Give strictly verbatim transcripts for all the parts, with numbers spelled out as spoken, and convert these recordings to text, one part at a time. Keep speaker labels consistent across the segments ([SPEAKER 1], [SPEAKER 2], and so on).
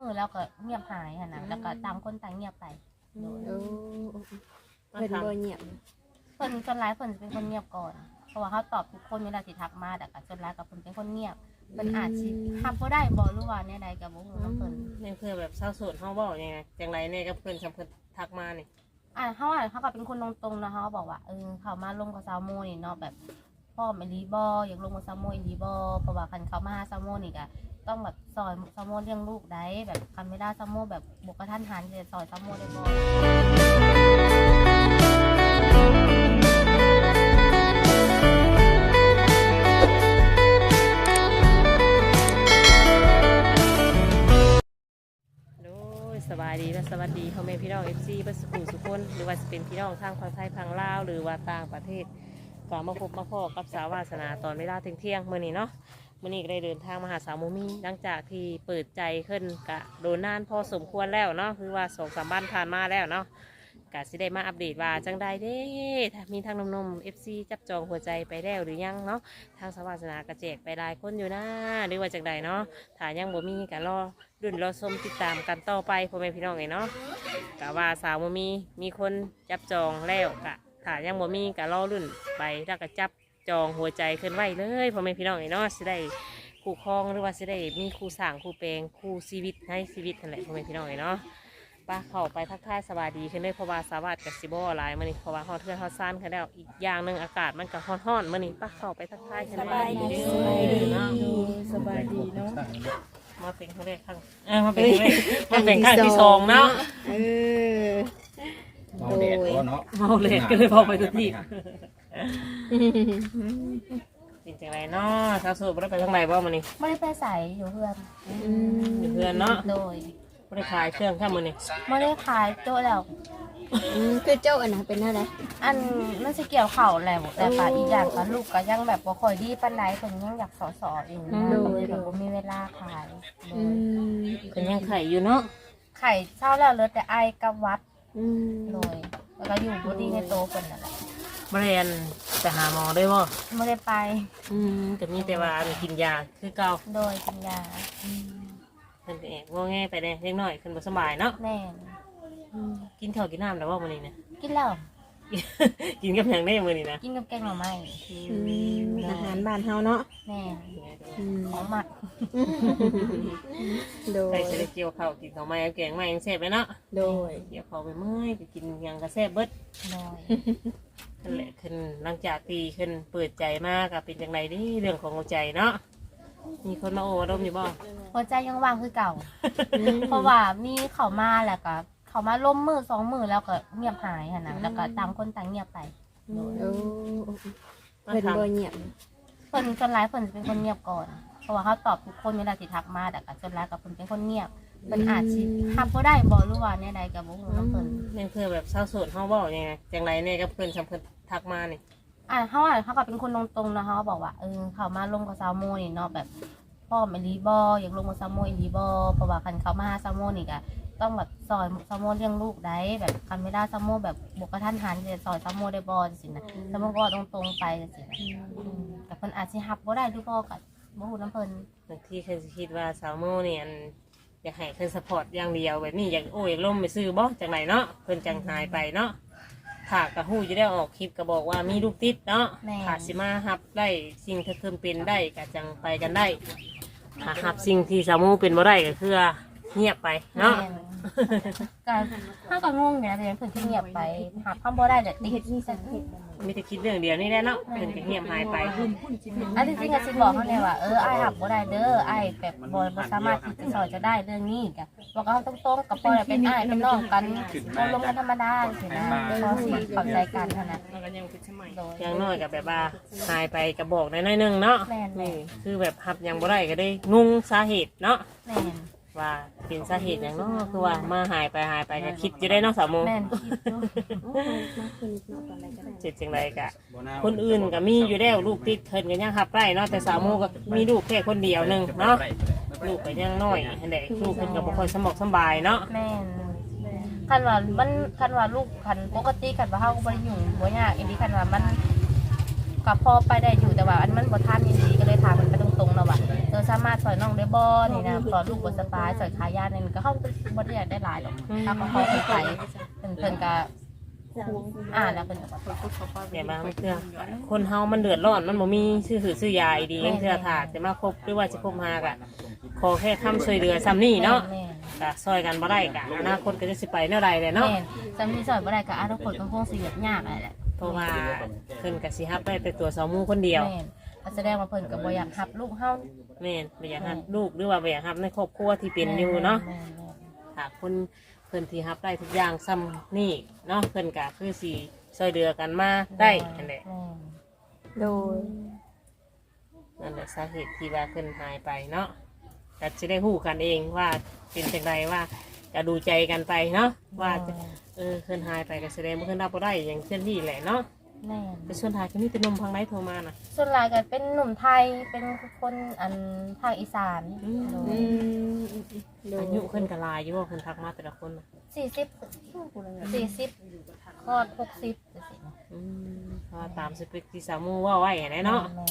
[SPEAKER 1] อแล้วก็เงียบหายหั่นน่ะแล้วก็ต่างคนต่างเงียบไปโดย
[SPEAKER 2] โอ้เพิ่นบ่เงียบ
[SPEAKER 1] เพิ่นส่วนหลายเพิ่นจะเป็นคนเงียบก่อนเพราะว่าเขาตอบทุกคนเวลาสิทักมาแต่ก็ส่วนหลายกับเพิ่นเป็นคนเงียบเพิ่นอาจสิทำบ่ได้บ่รู้ว่าแนวใดก็บ่ฮู้นำเพิ่น
[SPEAKER 3] นี่คือแบบเศร้าโศกเฮาเว้ายังไงจังไรเนี่ยกับเพิ่นสำเพิ่นทักมานี่
[SPEAKER 1] อ่าเฮาอ่ะเขาก็เป็นคนตรงๆนะเฮาบอกว่าเออเขามาลงกับซาวโมนี่เนาะแบบพ่อแม่ลีบ่อยากลงกับซาวโมอีลีบ่เพราะว่าคันเขามาหาซาวโมนี่ก็ต้องแบบซอยซาวโมเลี้ยงลูกได้แบบคันไม่ได้ซาวโมแบบบ่กระทันหันจะซอยซาวโมได้บ่
[SPEAKER 3] โดยสบายดีและสวัสดีพ่อแม่พี่น้อง เอฟ ซี เบิดสุขุสุขคนหรือว่าจะเป็นพี่น้องทางฝั่งไทยฝั่งลาวหรือว่าต่างประเทศก็มาพบมาพอกับสาววาสนาตอนเวลาเที่ยงๆมื้อนี้เนาะมื้อนี้ก็ได้เดินทางมาหาสาวโมมี่หลังจากที่เปิดใจขึ้นกะโดนนานพอสมควรแล้วเนาะคือว่าสองสามบ้านผ่านมาแล้วเนาะกะสิได้มาอัปเดตว่าจังใดเด้ถ้ามีทางนมๆ เอฟ ซี จับจองหัวใจไปแล้วหรือยังเนาะทางสาววาสนากระแจกไปหลายคนอยู่นะหรือว่าจังใดเนาะถ้ายังบ่มีก็รอรุ่นรอชมติดตามกันต่อไปพ่อแม่พี่น้องเนาะกะว่าสาวบ่มีมีคนจับจองแล้วกะถ้ายังบ่มีก็รอรุ่นไปแล้วก็จับจองหัวใจขึ้นไว้เลยพ่อแม่พี่น้องเนาะสิได้คู่ครองหรือว่าสิได้มีคู่สร้างคู่แปลงคู่ชีวิตให้ชีวิตนั่นแหละพ่อแม่พี่น้องเนาะป้าเข้าไปทักทายสบายดีขึ้นเลยเพราะว่าสวัสดิ์กับซิโบหลายมื้อนี้เพราะว่าฮอดเทือนฮอดซ่านกันแล้วอีกอย่างหนึงอากาศมันก็ร้อนๆมื้อนี้ป้าเข้าไปทักทายกันเลย
[SPEAKER 2] สบายดี
[SPEAKER 3] เนาะ
[SPEAKER 2] สบายดีเนาะ
[SPEAKER 3] มาเป็นครั้งแรกครั้งเออมาเป็นครั้งแรกมาเป็นครั้งที่สองเนาะ
[SPEAKER 2] เออ
[SPEAKER 4] เมาแดดก็เนาะ
[SPEAKER 3] เมาเลยก็เลยพอไปทุกที่เป็นจังไรเนาะสาวโสดบ่ได้ไปทางไหนบ่มื้อนี้
[SPEAKER 1] ไม่ได้ไปใส่อยู่เพื่อน
[SPEAKER 3] อยู่เพื่อนเนาะ
[SPEAKER 1] โดย
[SPEAKER 3] บ่ได้ขายเครื่องแค่มื้อนี้
[SPEAKER 1] ไม่ได้ขายโต๊ะแล้ว
[SPEAKER 2] อืมคือเจ้าอันน่ะเป็นอะไร
[SPEAKER 1] อันมันสิเกี่ยวเข่าแหละแต่ป่าอีกอย่างก็ลูกก็ยังแบบบ่ค่อยดีปานใดเพิ่นยังอยากสอสอเองนะก็เลยแบบบ่มีเวลาขาย
[SPEAKER 2] อืม
[SPEAKER 3] เพิ่นยังไข่อยู่เนาะ
[SPEAKER 1] ไข่เช้าแล้วเหลือแต่ไอกับวัด
[SPEAKER 2] อืม
[SPEAKER 1] เลยแล้วก็อยู่บ่ดีในโตเพิ่นนั่นแหละ
[SPEAKER 3] บ่ได้อันไปหาหมอได้บ่
[SPEAKER 1] บ่ได้ไป
[SPEAKER 3] อืมก็มีแต่ว่าอันกินยาคือเก่า
[SPEAKER 1] โดยกินยา
[SPEAKER 3] เพิ่นก็แอบงอแงไปแน่เล็กน้อยเพิ่นบ่สบายเนาะ
[SPEAKER 1] แน่น
[SPEAKER 3] กินข้าวกินน้ำแล้วบ่มื้อนี้นะ
[SPEAKER 1] กินแล้ว
[SPEAKER 3] กินกับหยังได้มื้อนี้นะ
[SPEAKER 1] กินกับแกงหน่อไม้
[SPEAKER 2] อืมอาหารบ้านเฮาเนาะ
[SPEAKER 1] แน่น
[SPEAKER 2] อืม
[SPEAKER 1] ของหมัก
[SPEAKER 2] โด
[SPEAKER 3] ใคร
[SPEAKER 2] ย
[SPEAKER 3] จะได้เกี่ยวข้าวกินข้าวไม้กับแกงไม้ยังแซ่บเลยเนาะ
[SPEAKER 2] โดย
[SPEAKER 3] เกี่ยวข้าวไปเมื่อยก็กินหยังก็แซ่บเบิด
[SPEAKER 1] โดย
[SPEAKER 3] นั่นแหละขึ้นหลังจากตีขึ้นเปิดใจมากก็เป็นจังไรนี่เรื่องของหัวใจเนาะมีคนมาโอ้ดมอยู่บ่
[SPEAKER 1] หัวใจยังว่างคือเก่า เพราะว่ามีเขามาแล้วก็เขามาล้มมือสองมือแล้วก็เงียบหายหั่นน่ะแล้วก็ต่างคนต่างเงียบไปโดย
[SPEAKER 2] โอ้เพิ่นบ่เงียบ
[SPEAKER 1] เพิ่นส่วนหลายเพิ่นจะเป็นคนเงียบก่อนเพราะว่าเขาตอบทุกคนเวลาสิทักมาแต่ก็ส่วนหลายกับเพิ่นเป็นคนเงียบเพิ่นอาจสิทำบ่ได้บ่รู้ว่าแนวใดก็บ่ฮู้นำเพิ่น
[SPEAKER 3] นี่คือแบบเศร้าโศกเฮาเว้ายังไงจังไรเนี่ยกับเพื่อนสำเพิ่นทักมานี่
[SPEAKER 1] อ่าเฮาอ่ะเขาก็เป็นคนตรงๆนะเฮาบอกว่าเออเขามาลงกับซาวโมนี่เนาะแบบพ่อแม่ลีบ่อยากลงกับซาวโมอีลีบ่เพราะว่าคันเขามาหาซาวโมนี่ก็ต้องแบบซอยซาวโมเลี้ยงลูกได้แบบคันไม่ได้ซาวโมแบบบ่กระทันหันจะซอยซาวโมได้บ่จังซี่นะซาวโมก็ตรงๆไปจังซี่นะอืมแต่เพิ่นอาจสิรับบ่ได้หรือบ่ก็บ่ฮู้นำเพิ่น
[SPEAKER 3] บางทีเพิ่นสิคิดว่าสาวโมนี่อันอยากให้เพิ่นสปอร์ตอย่างเดียวแบบนี้อยากโอ้ยล่มไปซื้อบ่จังไรเนาะเพิ่นจังหายไปเนาะถ้ากระหู้จะได้ออกคลิปก็บอกว่ามีลูกติดเนาะถ้าสิมาฮับได้สิ่งที่เพิ่นเป็นได้ก็จังไปกันได้ถ้าฮับสิ่งที่สาวโมเป็นบ่ได้ก็คือเงียบไปเนาะ
[SPEAKER 1] การถ้าก็งงอยู่นะเดี๋ยวเพิ่นที่เงียบไปหาคำบ่ได้เดี๋ยวติดนี่ซะ
[SPEAKER 3] มีแต่คิดเรื่องเดียวนี่แหละเนาะเพิ่นก็เงียบหายไป
[SPEAKER 1] อันที่จริงก็สิบอกเขาเลยว่าเอออ้ายหับบ่ได้เด้ออ้ายแบบบ่บ่สามารถที่จะสอนจะได้เรื่องนี้กะบอกเขาตรงๆกับพ่อเป็นอ้ายเป็นน้องกันบ่ลงกันธรรมดาสินะเขาสิเข้าใจกันเท่านั้นโดย
[SPEAKER 3] อย่างน้อยกับแบบว่าหายไปกระบอกน้อยๆหนึงเนาะ
[SPEAKER 1] แม่น
[SPEAKER 3] นี่คือแบบฮับยังบ่ได้ก็ได้งงสาเหตุเนาะ
[SPEAKER 1] แม่น
[SPEAKER 3] ว่าเป็นสาเหตุอย่างเนาะคือว่ามาหายไปหายไปก็คิดอยู่ได้เนาะสาวโม
[SPEAKER 1] แม่นคิดอยู่
[SPEAKER 3] เจ็ดจังไรกะคนอื่นก็มีอยู่แล้วลูกติดเพิ่นก็ยังฮับได้เนาะแต่สาวโมก็มีลูกแค่คนเดียวหนึงเนาะลูกก็ยังน้อยอันใดลูกเพิ่นก็บ่ค่อยสมองสบายเนาะ
[SPEAKER 1] แม่นคันว่ามันคันว่าลูกคันปกติคันว่าเฮาก็บ่ได้ยุ่งบ่ยากอีหลีคันว่ามันก็พอไปได้อยู่แต่ว่าอันมันบ่ทันอีหลีก็เลยถามมันไปตรงๆเนาะว่าเอออสามารถสอยน้องได้บ่นี่นะตอนลูกบ่สบายสอยขายานี่ก็เฮาบ่ได้อยากได้หลายหรอกถ้าก็ขอเพิ่นไปเพิ่นเพิ่นก็อ่านแล้วเพิ่นก็บอก
[SPEAKER 3] เดี๋ยวมาเพื่อคนเฮามันเดือดร้อนมันบ่มีซื้อหือซื้อยาอีดีเพื่อถ้าจะมาคบหรือว่าสิคบหากะขอแค่คำช่วยเหลือซ้ำนี่เนาะ
[SPEAKER 1] แม่น
[SPEAKER 3] ก็ซอยกันบ่ได้กะอนาคตก็จะสิไปแนวใดเลยเนาะ
[SPEAKER 1] แม่นจำที่สอยบ่ได้ก็อนาคตก็คงสิแบบยากอะไรแหละ
[SPEAKER 3] เพราะว่าเพิ่นก็สิรับได้แต่ตัวสาวหมู่คนเดียว
[SPEAKER 1] แม่นก็แสดงว่าเพิ่นก็บ่อยากรับลูกเฮา
[SPEAKER 3] แม่นบ่อยากรับลูกหรือว่าบ่อยากรับในครอบครัวที่เป็นอยู่เนาะ
[SPEAKER 1] แม่น
[SPEAKER 3] ถ้าคนเพิ่นที่รับได้ทุกอย่างซ้ำนี่เนาะเพิ่นก็คือสิช่วยเหลือกันมาได้นั่นแหละ
[SPEAKER 1] แม่น
[SPEAKER 2] โดย
[SPEAKER 3] นั่นแหละสาเหตุที่ว่าเพิ่นหายไปเนาะก็จะได้ฮู้กันเองว่าเป็นจังไดว่าจะดูใจกันไปเนาะว่าจะเออเพิ่นหายไปก็แสดงว่าเพิ่นรับบ่ได้อย่างเช่นที่แหละเนาะ
[SPEAKER 1] แม่น
[SPEAKER 3] แต่ส่วนท้ายก็มีแต่หนมพังไหนโทรมาน่ะ
[SPEAKER 1] ส่วนหลายก็เป็นหนุ่มไทยเป็นคนอันภาคอีสาน
[SPEAKER 3] อืม
[SPEAKER 1] โด
[SPEAKER 2] อื
[SPEAKER 1] ย
[SPEAKER 2] มโดย
[SPEAKER 3] อายุขึ้นกับลายอยู่ว่าคนทักมาแต่ละคนน่ะ
[SPEAKER 1] สี่สิบสี่สิบคลอดหกสิบจังซี่นะ
[SPEAKER 3] อืมเพราะว่าตามสเปคที่สาวหมูว่าไว้เห็นไหมเนาะ
[SPEAKER 1] แม่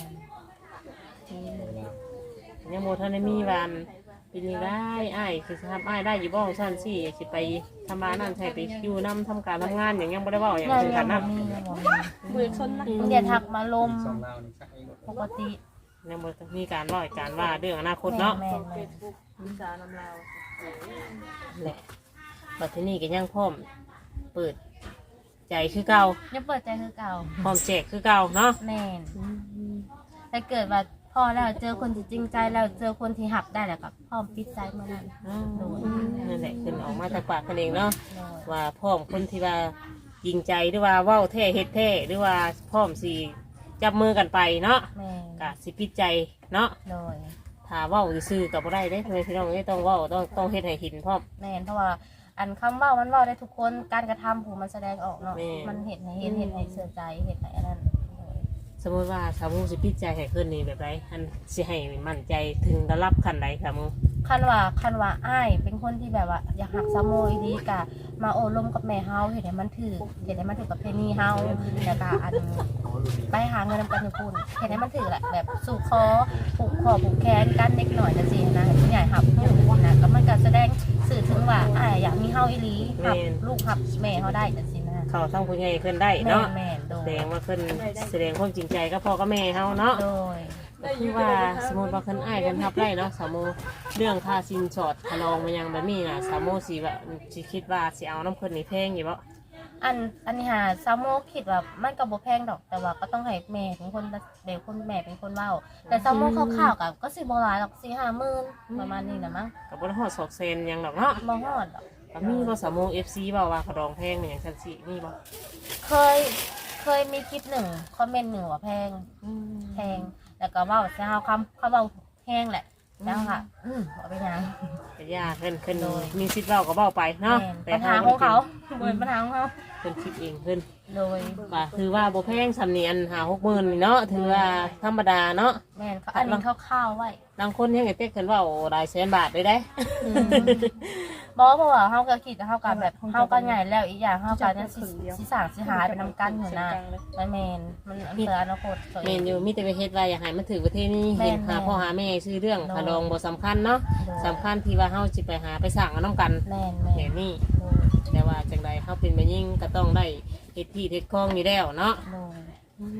[SPEAKER 1] น
[SPEAKER 3] ยังโมทันได้มีวันปีนี้ได้อ้ายคือสภาพอ้ายได้อยู่บ้องสั้นสิอยากสิไปทำบ้านนั่นใช่ไปอยู่น้ำทำการทำงานอย่างยังไม่ได้เว่าอย่าง
[SPEAKER 1] ยัง
[SPEAKER 3] เป็น
[SPEAKER 1] ยั
[SPEAKER 3] กั
[SPEAKER 1] ง
[SPEAKER 3] น
[SPEAKER 1] บ่
[SPEAKER 3] นะ
[SPEAKER 1] มียังบ่มี
[SPEAKER 2] มือชนนะ
[SPEAKER 1] เดี๋ยวทักมาลม
[SPEAKER 4] สองเรานี่สักไอ้
[SPEAKER 1] ปกติ
[SPEAKER 3] ยังบ่มีการว่าการว่าเรื่องอนาคตเนาะ
[SPEAKER 1] แม่นแม่น
[SPEAKER 2] วิชานำลาว
[SPEAKER 3] แหละบัดทีนี้ก็ยังพร้อมเปิดใจคือเก่า
[SPEAKER 1] ยังเปิดใจคือเก่า
[SPEAKER 3] พร้อมแจกคือเก่าเนาะ
[SPEAKER 1] แม่นถ้าเกิดว่าพอแล้วเจอคนที่จริงใจแล้วเจอคนที่หับได้แล้วก็พร้อมปิดใจเมื่อนั้น โดย
[SPEAKER 3] นั่นแหละขึ้นออกมาจากปากกันเองเนาะ
[SPEAKER 1] โดย
[SPEAKER 3] ว่าพร้อมคนที่ว่ายิงใจหรือว่าเว้าแท้เฮ็ดแท้หรือว่าพร้อมสิจับมือกันไปเนาะ
[SPEAKER 1] แม่น
[SPEAKER 3] กะสิพิดใจเนาะ
[SPEAKER 1] โดย
[SPEAKER 3] ถ้าเว้าซื่อๆกับบ่ได้เด้ทำไมพี่น้องไม่ต้องเว้าต้องต้องเฮ็ดให้เห็นพร้อม
[SPEAKER 1] แม่นเพราะว่าอันคำเว่ามันเว่าได้ทุกคนการกระทำผู้มันแสดงออกเนาะ
[SPEAKER 3] แม่น
[SPEAKER 1] มันเห็นให้เห็นเห็นให้เสื่อใจเห็นให้อันนั้นโดย
[SPEAKER 3] สมมติว่าสาวมูสิพิดใจให้ขึ้นนี่แบบไรอันสิให้มั่นใจถึงระดับขั้นใดสาวมู
[SPEAKER 1] คันว่าคันว่าอ้ายเป็นคนที่แบบว่าอยากหักสามโมอีดีกะมาโอลมกับแม่เฮาเห็นให้มันถือเห็นให้มันถือกับเพนีเฮาแล้วก็อันไปหาเงินนำกันอยู่พุ่นเห็นให้มันถือแหละแบบสู่คอผูกคอผูกแขนกันเล็กหน่อยนะสินะผู้ใหญ่หับลูกนะก็มันก็แสดงสื่อถึงว่าอ้ายอยากมีเฮาอีหลีหับลูกหับแม่เฮาได้จังซี่นะ
[SPEAKER 3] เขาทั้งผู้ใหญ่ขึ้นได้
[SPEAKER 1] แม่
[SPEAKER 3] เนาะ
[SPEAKER 1] แม่โด
[SPEAKER 3] แส
[SPEAKER 1] ย
[SPEAKER 3] ดงว่าขึ้นแสดงความจริงใจก็พ่อก็แม่เฮาเนาะ
[SPEAKER 1] โดย
[SPEAKER 3] ก็คือว่าสมมติว่าขึ้นอ้ายกันทับได้เนาะสาวมูเรื่องค่าสินสอดขนองมันยังแบบนี้น่ะสาวมูสิว่าสิคิดว่าสิเอาน้ำขึ้นนี่แพงอยู่บ่
[SPEAKER 1] อันอันนี้หาซามโมคิดว่ามันก็บ่แพงดอกแต่ว่าก็ต้องให้แม่เป็นคนเด็กคนแม่เป็นคนเว้าแต่ซามโมคร่าวๆกับก็สิบ่หลายหรอกสี่ห้าหมื่นประมาณนี้นะมั้ง
[SPEAKER 3] กับบริหอดสอกเซนหยังดอกเนาะ
[SPEAKER 1] บ่ฮอดดอก
[SPEAKER 3] ก็มีบ่สาวมูเอฟซีบ่าว่าขนองแพงมันอย่างชั้นสี่มีบ่
[SPEAKER 1] เคยเคยมีคลิปหนึ่งคอมเมนต์หนึ่งว่าแพงแพงแล้วก็เว้าจะเอาคำเขาเว้าแพงแหละแล้วค่ะอืมเอาไปยัง
[SPEAKER 3] ก็ยากขึ้นขึ้นมีสิทธิ์เว้าก็เว้าไปเนาะ
[SPEAKER 1] แม่นปัญหาของเขาเหมือนปัญหาของเขา
[SPEAKER 3] เพิ่นคิดเองขึ้น
[SPEAKER 1] โดย
[SPEAKER 3] ว่าคือว่าบ่แพงสำเนียนหาหกหมื่นนี่เนาะถือว่าธรรมดาเนาะ
[SPEAKER 1] แม่นเขาอันนี้คร่าวๆไว้
[SPEAKER 3] บางคนยังไงเต้ขึ้นเว่าหลายแสนบาทเลยได้
[SPEAKER 1] อืมบอกเพราะว่าเฮาก็คิดเฮาก็แบบเฮาก็ใหญ่แล้วอีกอย่างเฮาก็นั่นสิสิสร้างสิหาเป็นนํกันอยู่นะมันแม่นมันอันเสืออนาคตตัว
[SPEAKER 3] เม
[SPEAKER 1] เอง
[SPEAKER 3] นอยู่มีแต่ไปเฮ็ดว่าอยากให้มันถือประเทศนี้
[SPEAKER 1] แม่น
[SPEAKER 3] เห็นหา
[SPEAKER 1] แม่น
[SPEAKER 3] พ่อหาแม่ซื้อเรื่อง
[SPEAKER 1] โดย
[SPEAKER 3] ขนองบ่สำคัญเนาะ
[SPEAKER 1] โดย
[SPEAKER 3] สำคัญที่ว่าเฮาสิไปหาไปสร้างเอาน้ำกัน
[SPEAKER 1] แม่นแม่
[SPEAKER 3] เห็
[SPEAKER 1] น
[SPEAKER 3] นนี่
[SPEAKER 1] โดย
[SPEAKER 3] แต่ว่าจังใดเฮาเป็นแม่ยิ่งก็ต้องได้เฮ็ดที่เฮ็ดคลองนี่แล้วเนาะ
[SPEAKER 1] โดย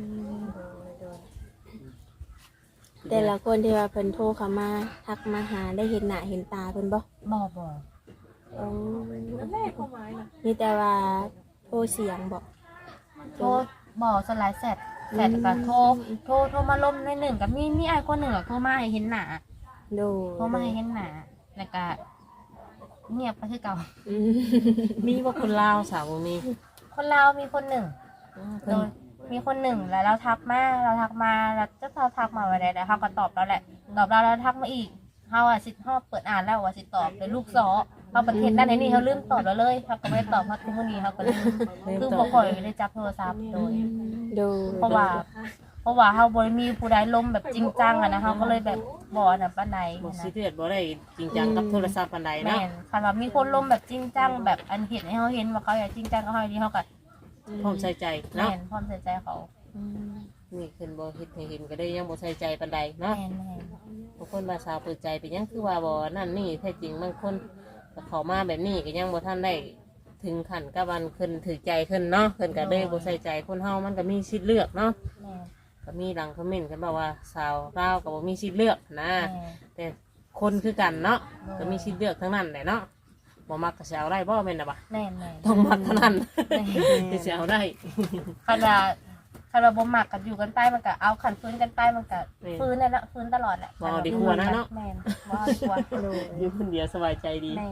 [SPEAKER 2] แต่ละคนที่ว่าเพิ่นโทรเข้ามาทักมาหาได้เห็นหน้าเห็นตาเพิ่นบ่
[SPEAKER 1] บ่บ่
[SPEAKER 2] อ๋อมีแต่ว่าโทรเสียงบ่
[SPEAKER 1] โทรบ่สลายแซดแซดก็โทรโทรโทรมาลมในหนึ่งก็มีมีไอ้คนหนึ่งอะโทรมาให้เห็นหน้า
[SPEAKER 2] โด
[SPEAKER 1] โทรมาให้เห็นหน้าแล้วก็เงียบไปคือเก่า
[SPEAKER 2] อืม
[SPEAKER 3] มีว่าคนลาวสาวบ่มี
[SPEAKER 1] คนลาวมีคนหนึ่ง
[SPEAKER 3] เพิ่
[SPEAKER 1] โด
[SPEAKER 3] น
[SPEAKER 1] ยมีคนหนึ่งแล้วเราทักมาเราทักมาแล้วเจ้าเราทักมาวันใดแล้วเขาก็ตอบเราแหละตอบเราแล้วทักมาอีกเขาอ่ะสิเขาเปิดอ่านแล้วว่าสิตอบเลยลูกซอเขาประเทศด้านไหนนี่เขาลืมตอบเราเลยเขาก็ไม่ได้ตอบเขาทุกวันนี้เขาก็ลืมคือบ่ค่อยได้จับโทรศัพท์โดย
[SPEAKER 2] โด
[SPEAKER 1] เพราะว่า เพราะว่าเขาบ่ได้มีผู้ใดล้มแบบจริงจังอะนะเขาก็เลยแบบบ่อนน่ะปานใด
[SPEAKER 3] บ่
[SPEAKER 1] นะ
[SPEAKER 3] สิเดือดบ่ได้จริงจังกับโทรศัพท์ปานใด
[SPEAKER 1] แม่
[SPEAKER 3] เนาะ
[SPEAKER 1] นคันว่ามีคนล้มแบบจริงจังแบบอันเห็นให้เขาเห็นว่าเขาอยากจริงจังกับเขาดีเขาก็
[SPEAKER 3] พร้อมใส่ใจ
[SPEAKER 1] แม่
[SPEAKER 3] เนาะ
[SPEAKER 1] นพร้อมใส่ใจเขา
[SPEAKER 3] นี่ขึ้นบ่เฮ็ดให้เห็นก็ได้ยังบ่ใส่ใจปานใดเนาะ
[SPEAKER 1] แม่นแม่น
[SPEAKER 3] บางคนมาสาวเปิดใจไปยังคือว่าบ่นั่นนี่แท้จริงบางคนก็เข้ามาแบบนี้ก็ยังบ่ทันได้ถึงขั้นกับวันขึ้นถือใจขึ้นเนาะขึ้นก็เลยบ่ใส่ใจคนเฮามันก็มีสิทธิ์เลือกเนาะ
[SPEAKER 1] แม่น
[SPEAKER 3] ก็มีหลังคอมเมนต์กันบอกว่าสาวลาวก็บ่มีสิทธิ์เลือกนะ
[SPEAKER 1] แม่น
[SPEAKER 3] แต่คนคือกันเนาะก็มีสิทธิ์เลือกทั้งนั้นแหละเนาะบ่มักก็สิเอาได้บ่แม่นน่ะบ่ะ
[SPEAKER 1] แม่นแม่น
[SPEAKER 3] ต้องมักเท่านั้นที่สิเอาได้
[SPEAKER 1] คันว่าคันว่าบ่มักกันอยู่กันไปมันก็เอาขันฟื้นกันไปมันก็
[SPEAKER 3] แม่น
[SPEAKER 1] ฟื้นนั่นแหละฟื้นตลอดแหละ
[SPEAKER 3] บ่เอาดีกว่านะเนาะ
[SPEAKER 1] แม่นบ่เอาดีกว่า
[SPEAKER 2] โดย
[SPEAKER 3] อยู่คนเดียวสบายใจดี
[SPEAKER 1] แม่น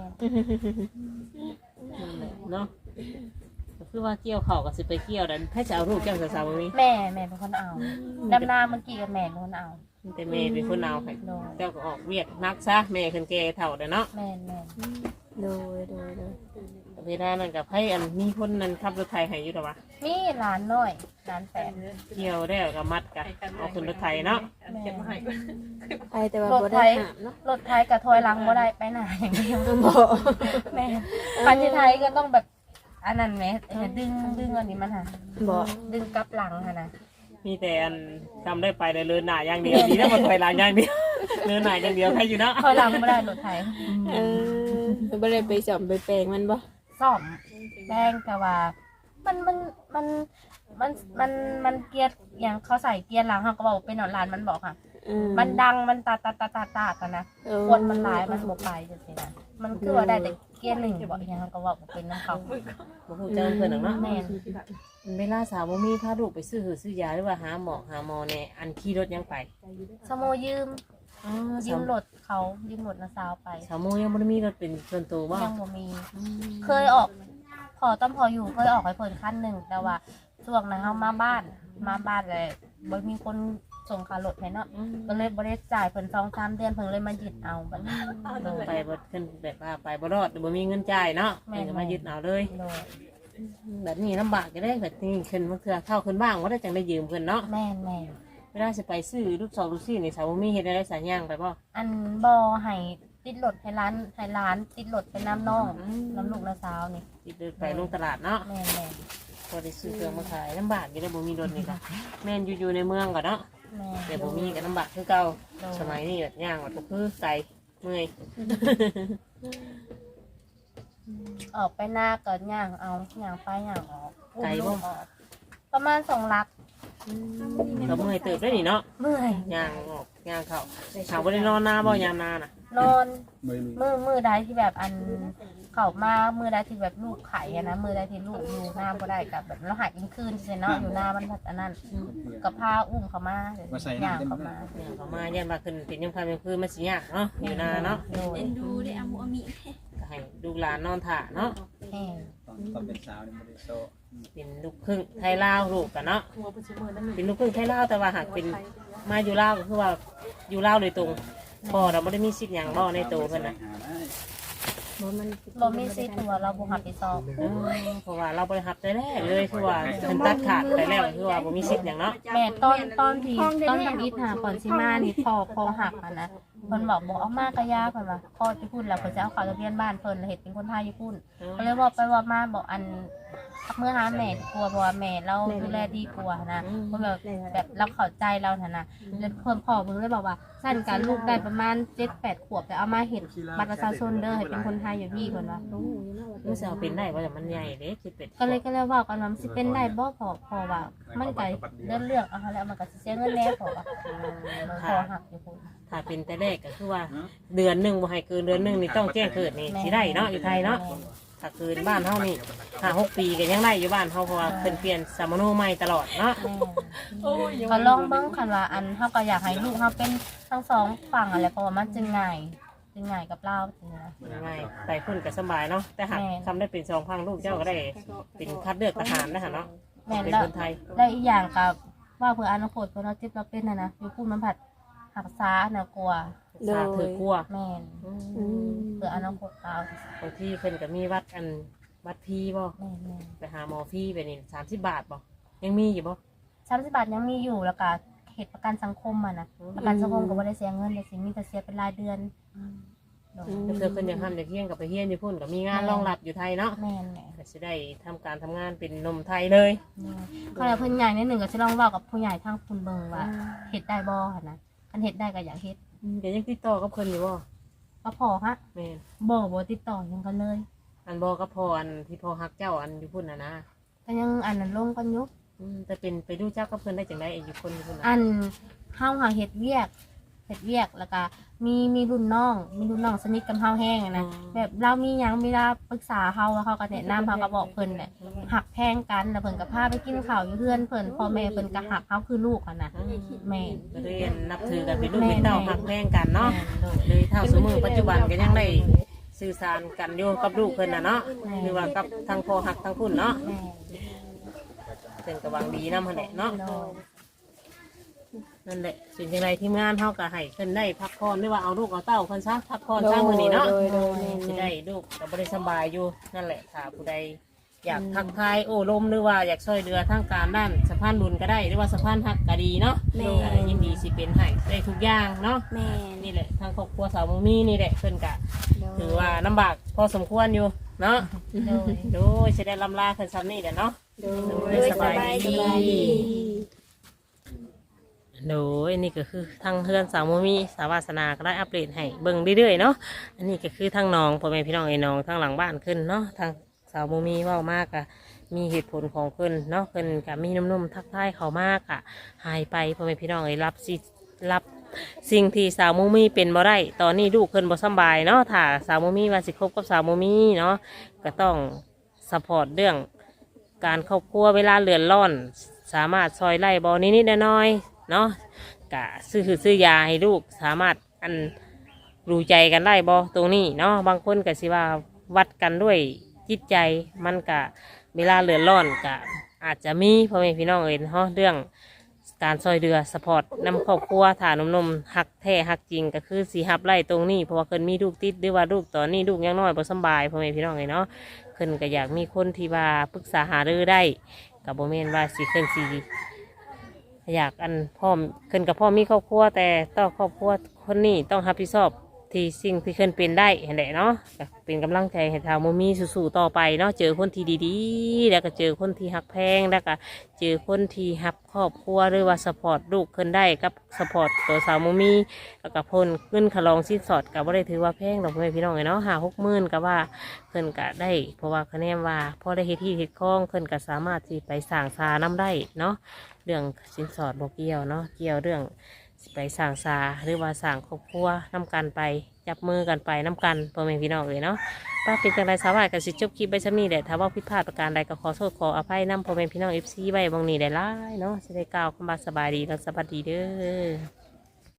[SPEAKER 3] นั่นแหละเนาะก็คือว่าเกี่ยวข้าวก็สิไปเกี่ยวดันให้จะเอาลูกเจ้าสาวๆบ่มี
[SPEAKER 1] แม่แม่เป็นคนเอาดำนาเมื่อกี้กับแม่เป็นคนเอา
[SPEAKER 3] แต่แม่เป็นคนเอาให้
[SPEAKER 1] โดย
[SPEAKER 3] เจ้าก็ออกเวียกนักซะแม่ขึ้นแก่เฒ่าเด้อเนาะ
[SPEAKER 1] แม่นแม่น
[SPEAKER 2] โดยโดยโดย
[SPEAKER 3] เวลานั้นกับให้อันมีคนนั้นขับรถไถให้อยู่ดอกวะ
[SPEAKER 1] มีหลานน้อยหลานแฝด
[SPEAKER 3] เกี่ยวได้วก็มัดกันเอาขึ้นรถไถเนาะ
[SPEAKER 1] แม่น
[SPEAKER 2] ไปแต่ว่าบ่ได้หามเนาะ
[SPEAKER 1] รถไทยกับถอยหลังบ่ได้ไปไหนอย่างเดียว
[SPEAKER 2] บ่
[SPEAKER 1] แม่คันที่ไทยก็ต้องแบบอันนั้นไหมเออดึงดึงอันนี้มันค่ะ
[SPEAKER 2] บ่
[SPEAKER 1] ดึงกลับหลังค่ะนะ
[SPEAKER 3] มีแต่อันทำได้ไปเลยเลินหน้าอย่างเดียวดีนะมันถอยหลังอย่างเดียวเลินหน้าอย่างเดียวใครอยู่เนาะ
[SPEAKER 1] ถอยหลังไม่ได้รถไทย
[SPEAKER 2] เออบ่ได้ไปจอมไปแปลงมันบ่
[SPEAKER 1] ซ่อมแดงแต่ว่า มันมันมันมันมันมันเกียร์อย่างเขาใส่เกียร์หลังเขาก็บอกว่าเป็นหนอนลานมันบอกค่ะ
[SPEAKER 2] เออ
[SPEAKER 1] มันดังมันตาตาตาตาตากันนะ
[SPEAKER 2] เออ
[SPEAKER 1] คนมันหลายมันบกไปจังซี่นะมันคือว่าได้แต่เกียร์หนึ่งบอกอย่างเขาก็บอกว่าเป็นน้ำเขา
[SPEAKER 3] บ่ฮู้จักเพิ่นหรอกเนาะ
[SPEAKER 1] แม่น
[SPEAKER 3] เวลาสาวบ่มีพาลูกไปซื้อหือซื้อยาหรือว่าหาหมอหาหมอเนี่ยอันขี่รถยังไป
[SPEAKER 1] สโมยืม
[SPEAKER 3] อ๋อ
[SPEAKER 1] ยืมรถเขายืมรถนาซาวไป
[SPEAKER 3] สาวโมยังบ่ได้มีรถเป็นส่วนตัวบ่
[SPEAKER 1] ยังบ่มี เคยออก พอต้นพออยู่เคยออกไปเพิ่นขั้นหนึ่งแต่ว่าช่วงนั้นเฮามาบ้านมาบ้านเลยบ่มีคนส่งค่ารถให้เนาะก็เลยบ่ได้จ่ายเพิ่นสองสามเดือนเพิ่นเลยมายึดเอาบัดนี้โดย
[SPEAKER 3] ไปบ่ขึ้นแบบว่าไปบ่รอดหรือบ่มีเงินจ่ายเนาะ
[SPEAKER 1] แม่
[SPEAKER 3] เพิ่นก็มายึดเอาเลย
[SPEAKER 1] โดย
[SPEAKER 3] แบบนี้ลำบากจะได้แบบนี้ขึ้นมาเถื่อเข้าขึ้นบ้างว่าได้จังได้ยืมเพิ่นเนาะ
[SPEAKER 1] แม่นแม่น
[SPEAKER 3] เวลาจะไปซื้อลูกสองลูกสี่นี่สาวบ่มีเฮ็ดได้สายย่างไปบ่
[SPEAKER 1] อันบ่ให้ติดรถให้ร้านให้ร้านติดรถไปน้ำน้องน้ำลูกน้าสาวนี่
[SPEAKER 3] ติดเดินไปลงตลาดเนาะ
[SPEAKER 1] แม่นแม่น
[SPEAKER 3] พอได้ซื้อเครื่องมาขายลำบากอยู่ได้บ่มีรถนี่ค่ะแม่นอยู่ๆในเมืองก่อนเนาะ
[SPEAKER 1] แม่น
[SPEAKER 3] แต่บ่มีก็ลำบากคือเก่าสมัยนี้แบบย่างก็คือไกลเมื่อย
[SPEAKER 1] ออกไปหน้าก็ย่างเอาย่างไปย่างออกอุ้มลูกออกประมาณสองลัก
[SPEAKER 3] ก็เมื่อยเติบได้นี่เนาะ
[SPEAKER 1] เมื่อย
[SPEAKER 3] ย่างออกย่างเข้าถามบ่ได้นอนนาบ่ยามนาน่ะ
[SPEAKER 1] นอน
[SPEAKER 4] ไม่รู้
[SPEAKER 1] มือมือใดที่แบบอันเขามามือใดที่แบบลูกไข่อะนะมือใดที่ลูกอยู่หน้าบ่ได้กับแบบเราหายกินคืนใช่เนาะอยู่หน้ามันแบบอันนั้นกับผ้าอุ้มเขามาย่างเขามา
[SPEAKER 3] ย่างเข้ามาย่านว่าขึ้นเป็นยังค่ำยังคืนมันสิยากเนาะอยู่นาเนาะ
[SPEAKER 1] โดย
[SPEAKER 5] ดูได้อามุอามิ
[SPEAKER 3] ก็ให้ดูหลานนอนถ่าเนาะ
[SPEAKER 1] แห้ง
[SPEAKER 4] ตอนตอนเป็นสาวนี่ไม่ได้โซ่
[SPEAKER 3] เป็นลูกครึ่งไทยลาวลูกกันเนาะเป็นลูกครึ่งไทยลาวแต่ว่าหากเป็นมาอยู่ลาวก็คือว่าอยู่ลาวโดยตรงพ่อเราไม่ได้มีสิทธิ์อย่างบ่ในตัวเพิ่นนะ
[SPEAKER 4] หาได้
[SPEAKER 2] บ่มัน
[SPEAKER 1] บ่มีสิทธิ์ตัวเราบ่หับไปสอบ
[SPEAKER 3] เออเพราะว่าเราบริหับใจแรกเลยคือว่าเพิ่นตัดขาดไปแล้วคือว่าบ่มีสิทธิ์อย่างเนาะ
[SPEAKER 1] แม่ตอนตอนที่ตอนทำอิฐหาก่อนสิมานี่พอพอหักอ่ะนะเพิ่นบอกบอกเอามากระยาเพิ่นว่าพ่อจะพูดแล้วเพิ่นจะเอาเขาทะเบียนบ้านเพิ่นแล้วเฮ็ดเป็นคนไทยญี่ปุ่น ก็เลยบอกไปว่ามาบอกอันเมื่อหาแม่ดีกลัวเพราะว่าแม่เราดูแลดีกว่านะเพราะแบบแบบเราเข้าใจเราฐานะแล้วเพิ่นพ่อเพิ่งเลยบอกว่าสั้นการลูกได้ประมาณเจ็ดแปดขวบแต่เอามาเห็นบัตรประชาชนเด้อให้เป็นคนไทยอยู่พี่เพิ่นว่า
[SPEAKER 3] มันสิเอาเป็นได้ว่าแต่มันใหญ่เด้คิดเป็น
[SPEAKER 1] ก็เลยก็เลยเว่ากันว่ามันสิเป็นได้บ่พอพอว่ามันก็เรื่องเรื่องเอาแล้วมันก็สิเสียเงินแน่พอว่ามันพอหักอยู่พุ่น
[SPEAKER 3] ถ้าเป็นแต่แรกก็คือว่าเดือนหนึงบ่ให้เกินเดือนหนึงนี่ต้องแจ้งเกิดนี่สิได้เนาะอยู่ไทยเนาะถ้าเกินบ้านเฮานี่ห้าหกปีก็ยังได้อยู่บ้านเฮาเพราะว่าเพิ่นเปลี่ยนสามโนใหม่ตลอดเนาะ
[SPEAKER 1] ก็ลองเบิ่งคันว่าอันเฮาก็อยากให้ลูกเฮาเป็นทั้งสองฝั่งอะไรเพราะว่ามันจึงง่ายจึงง่ายกับเราจริงนะ
[SPEAKER 3] ง่ายไปพุ่นก็สบายเนาะแต่หาก
[SPEAKER 1] แม่
[SPEAKER 3] ทำได้เป็นสองพังลูกเจ้าก็ได้เป็นคัดเลือกทหารนะคะเนาะ
[SPEAKER 1] แม่น
[SPEAKER 3] เป็น
[SPEAKER 1] แล้ว
[SPEAKER 3] คนไทย
[SPEAKER 1] แล้วอีกอย่างกับว่าเผื่ออนาคตเผื่อเราจิตเราเป็นนะนะอยู่พูดมันผัดหักซ้าน่ากลัว
[SPEAKER 3] สาถือกลัว
[SPEAKER 1] แม่น
[SPEAKER 2] อืม
[SPEAKER 1] เผื่ออนาคตเรา
[SPEAKER 3] บางที่เพิ่นก็มีวัดอันวัดพีบ่
[SPEAKER 1] แม่นแม่น
[SPEAKER 3] ไปหาหมอฟรีไปนี่สามสิบบาทบ่ยังมีอยู่บ่
[SPEAKER 1] สามสิบบาทยังมีอยู่แล้วก็เหตุประกันสังคมอ่ะนะประกันสังคมก็บ่ได้เสียเงินเลยสิมีแต่เสียเป็นรายเดือนโดย
[SPEAKER 3] ถ้าเกิดเพิ่นอยากทำอยากเฮียนกับไปเฮียนอยู่พุ่นก็มีงานรองรับอยู่ไทยเนาะ
[SPEAKER 1] แม่นแหละ
[SPEAKER 3] ก็สิได้ทำการทำงานเป็นหนมไทยเลย
[SPEAKER 1] ก็แล้วเพิ่นใหญ่นิดหนึ่งก็สิลองเว้ากับผู้ใหญ่ทางคุณเบิ่งว่าเฮ็ดได้บ่หั่นนะคันเฮ็ดได้ก็อยากเฮ็ด
[SPEAKER 3] อืมก็ยังติดต่อกับเพิ่นอยู่บ่
[SPEAKER 1] ก็พอฮะ
[SPEAKER 3] แม่น
[SPEAKER 1] บ่บ่ติดต่อหยังกันเลย
[SPEAKER 3] อันบ่กับพ่ออันที่พ่อฮักเจ้าอันอยู่พุ่นน่ะนะ
[SPEAKER 1] ก็ยังอันนั้นลงกันอยู่
[SPEAKER 3] อืมแต่เป็นไปดูเจ้ากับเพิ่นได้จังได๋อยู่คนอยู่พุ่นน่ะ
[SPEAKER 1] อันเฮาหาเฮ็ดเวียกเฮ็ดเวียกแล้วก็มีมีรุ่นน้อง มีรุ่นน้องสนิทกับเฮาแห้งอะนะแบบเรามีหยังเวลาปรึกษาเฮาแล้วเขาก็แนะนำเฮาก็บอกเพิ่นแหละหักแพงกันแล้วเพิ่นก็พาไปกินข้าวอยู่เฮือนเพิ่นพ่อแม่เพิ่นก็หักเฮาคือลูกอะนะแม่น
[SPEAKER 3] ก็เลยนับถือกันเป็นลูกเป็นเต้าฮักแพงกันเนาะ
[SPEAKER 1] แม่นโดย
[SPEAKER 3] เลยเท่าสมือปัจจุบันก็ยังได้สื่อสารกันอยู่กับลูกเพิ่นน่ะเนาะหรือว่ากับทางพ่อฮักทางพุ่นเนาะ
[SPEAKER 1] แม่
[SPEAKER 3] เพิ่นก็หวังดีนำหั่นแหละเนาะ
[SPEAKER 1] โดย
[SPEAKER 3] นั่นแหละสิ่งจังไดทีมงานเฮาก็ให้เพิ่นได้พักผ่อนหรือว่าเอาลูกเอาเต้าเพิ่นซะพักผ่อนซะมื้อนี้เนาะ
[SPEAKER 2] โดยโดยแม่น
[SPEAKER 3] สิได้ลูกก็บ่ได้สบายอยู่นั่นแหละถ้าผู้ใดอยากทักทายโอ้ลมหรือว่าอยากช่วยเหลือทางการด้านสะพานบุญก็ได้หรือว่าสะพานฮักก็ดีเนาะ
[SPEAKER 2] แม่
[SPEAKER 3] ก็ยินดีสิเป็นให้ได้ทุกอย่างเนาะ
[SPEAKER 2] แม่น
[SPEAKER 3] นี่แหละทางครอบครัวสาวมุมีนี่แหละเพิ่นก็ถือว่าลำบากพอสมควรอยู่เนาะ
[SPEAKER 1] โดย
[SPEAKER 3] โดยสิได้ลำลาเพิ่นซ้ำนี่แหละเนาะ
[SPEAKER 2] โดยสบายดี
[SPEAKER 3] โดยนี่ก็คือทางเพื่อนสาวมุมีสาวาสนาก็ได้อัปเดตให้เบิ่งเรื่อยๆเนาะอันนี้ก็คือทางน้องพ่อแม่พี่น้องไอ้น้องทางหลังบ้านขึ้นเนาะทางสาวมุมีเว่ามากอะมีเหตุผลของเพิ่นเนาะเพิ่นก็มีนุ่มๆทักทายเขามากอะหายไปพ่อแม่พี่น้องไอ้รับสิรับสิ่งที่สาวมุมีเป็นบ่ได้ตอนนี้ลูกเพิ่นบ่สำบายเนาะถ้าสาวมุมีว่าสิคบกับสาวมุมีเนาะก็ต้องซัพพอร์ตเรื่องการครอบครัวเวลาเลือนร้อน สามารถซอยไล่บอนิดๆน้อยๆเนาะกะซื้อคือซื้อยาให้ลูกสามารถอันรู้ใจกันได้บอตรงนี้เนาะบางคนก็สิว่าวัดกันด้วยจิตใจมันกะเวลาเลือนร้อนกะอาจจะมีพ่อแม่พี่น้องเอ็นเนาะเรื่องการซอยเรือสปอร์ตนำครอบครัวฐานนมๆหักแท้หักจริงก็คือสีหับไล่ตรงนี้เพราะว่าเพิ่นมีลูกติดหรือว่าลูกตอนนี้ลูกยังน้อยบ่สำบายพ่อแม่พี่น้องเอ็นเนาะเพิ่นก็อยากมีคนที่ว่าปรึกษาหารือได้ กับโบเมนว่าสิขึ้นสีอยากอันพ่อขึ้นกับพ่อมีครอบครัวแต่ต้องครอบครัวคนนี้ต้องรับผิดชอบที่สิ่งที่ขึ้นเป็นได้เห็นไหมเนาะก็เป็นกำลังใจให้ทางโมมีสู้ๆต่อไปเนาะเจอคนที่ดีๆแล้วก็เจอคนที่หักแพงแล้วก็เจอคนที่หักครอบครัวหรือว่าสปอร์ตลูกขึ้นได้กับสปอร์ตตัวสาวโมมีแล้วก็พ้นขึ้นขลองสิ้นสอดกับว่าได้ถือว่าแพงดอกไม้พี่น้องเนาะหาหกหมื่นกับว่า เพิ่นก็ได้เพราะว่าคะแนนว่าพอได้เฮ็ดที่เฮ็ดคล้องเพิ่นก็สามารถที่ไปสร้างซาน้ำได้เนาะเรื่องสินสอดบ่เกี่ยวเนาะเกี่ยวเรื่องสิไปสร้างซาหรือว่าสร้างครอบครัวน้ำกันไปจับมือกันไปน้ำกันพ่อแม่พี่น้องเลยเนาะป้าเป็นจังไรสาวายก็สิจบคลิปไปซ้ำนี้แหละถ้าว่าผิดพลาดประการใดก็ขอโทษขออภัยนำพ่อแม่พี่น้อง เอฟ ซี ไว้บางนี้ได้หลายเนาะสิได้กล่าวคำว่าสบายดีและสวัสดีเด้อ